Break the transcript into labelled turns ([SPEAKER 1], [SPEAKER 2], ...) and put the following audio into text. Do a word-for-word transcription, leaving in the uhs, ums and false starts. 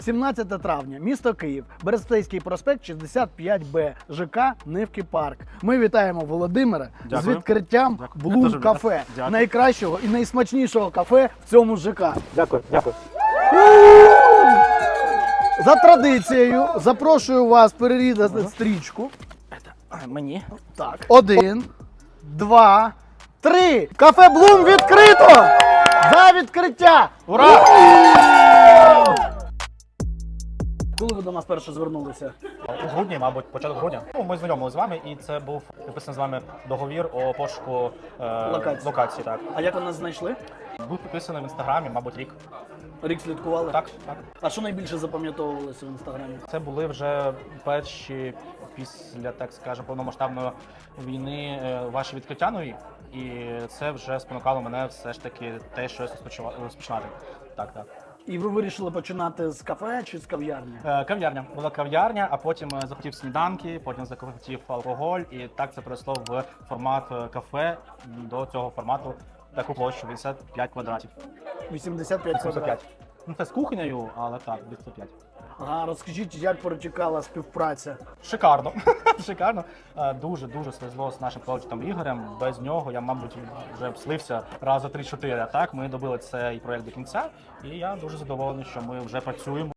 [SPEAKER 1] сімнадцяте травня, місто Київ, Берестейський проспект, шістдесят п'ять Б, ЖК Нивки Парк. Ми вітаємо Володимира
[SPEAKER 2] Дякую.
[SPEAKER 1] з відкриттям
[SPEAKER 2] Дякую.
[SPEAKER 1] Bloom
[SPEAKER 2] Дуже
[SPEAKER 1] Cafe,
[SPEAKER 2] дякую.
[SPEAKER 1] найкращого і найсмачнішого кафе в цьому ЖК.
[SPEAKER 2] Дякую, дякую.
[SPEAKER 1] За традицією запрошую вас перерізати стрічку.
[SPEAKER 2] Мені?
[SPEAKER 1] Так. Один, два, три. Кафе Bloom відкрито! За відкриття!
[SPEAKER 2] Ура!
[SPEAKER 1] Коли ви до нас перше звернулися?
[SPEAKER 2] У грудні, мабуть, початок грудня. Ну, ми знайомилися з вами, і це був підписаний з вами договір о пошуку е,
[SPEAKER 1] Локації.
[SPEAKER 2] локації. Так.
[SPEAKER 1] А як ви нас знайшли?
[SPEAKER 2] Був підписаний в інстаграмі, мабуть, рік.
[SPEAKER 1] Рік слідкували?
[SPEAKER 2] Так, так.
[SPEAKER 1] А що найбільше запам'ятовувалося в інстаграмі?
[SPEAKER 2] Це були вже перші після, так скажемо, повномасштабної війни е, ваші відкриття нові. І це вже спонукало мене все ж таки те, щось розпочала- розпочинати. Так, так.
[SPEAKER 1] І ви вирішили починати з кафе чи з кав'ярні?
[SPEAKER 2] Е, Кав'ярня. Була кав'ярня, а потім е, захотів сніданки, потім захотів алкоголь, і так це перейшло в формат е, кафе. До цього формату таку площу вісімдесят п'ять квадратів.
[SPEAKER 1] вісімдесят п'ять
[SPEAKER 2] вісімдесят
[SPEAKER 1] квадратів.
[SPEAKER 2] п'ять. Ну це з кухнею, але так, вісімдесят п'ять.
[SPEAKER 1] Ага, розкажіть, як протікала співпраця?
[SPEAKER 2] Шикарно. Шикарно. Е, Дуже-дуже свезло з нашим коучем Ігорем. Без нього я, мабуть, вже б слився рази три-чотири. А так, ми добили цей проєкт до кінця, і я дуже задоволений, що ми вже працюємо.